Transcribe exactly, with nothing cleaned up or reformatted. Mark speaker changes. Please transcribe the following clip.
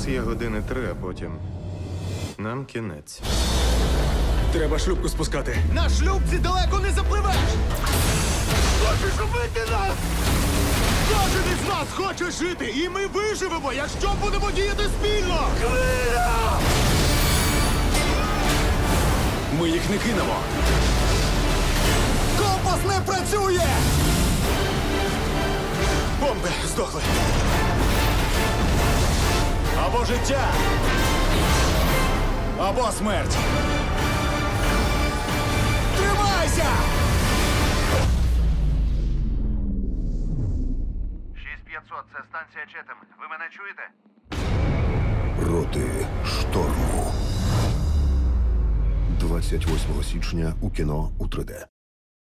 Speaker 1: нас є години три, а потім нам кінець.
Speaker 2: Треба шлюпку спускати.
Speaker 3: На шлюбці далеко не запливеш! Хочеш убити нас? Кожен із нас хоче жити, і ми виживемо, якщо будемо діяти спільно! Хвиля!
Speaker 2: Ми їх не кинемо.
Speaker 3: Компас не працює! Бомби здохли. Або життя, або смерть. Тримайся!
Speaker 4: шість п'ятсот, це станція Четем. Ви мене чуєте?
Speaker 5: Проти шторму. двадцять восьмого січня у кіно у три де.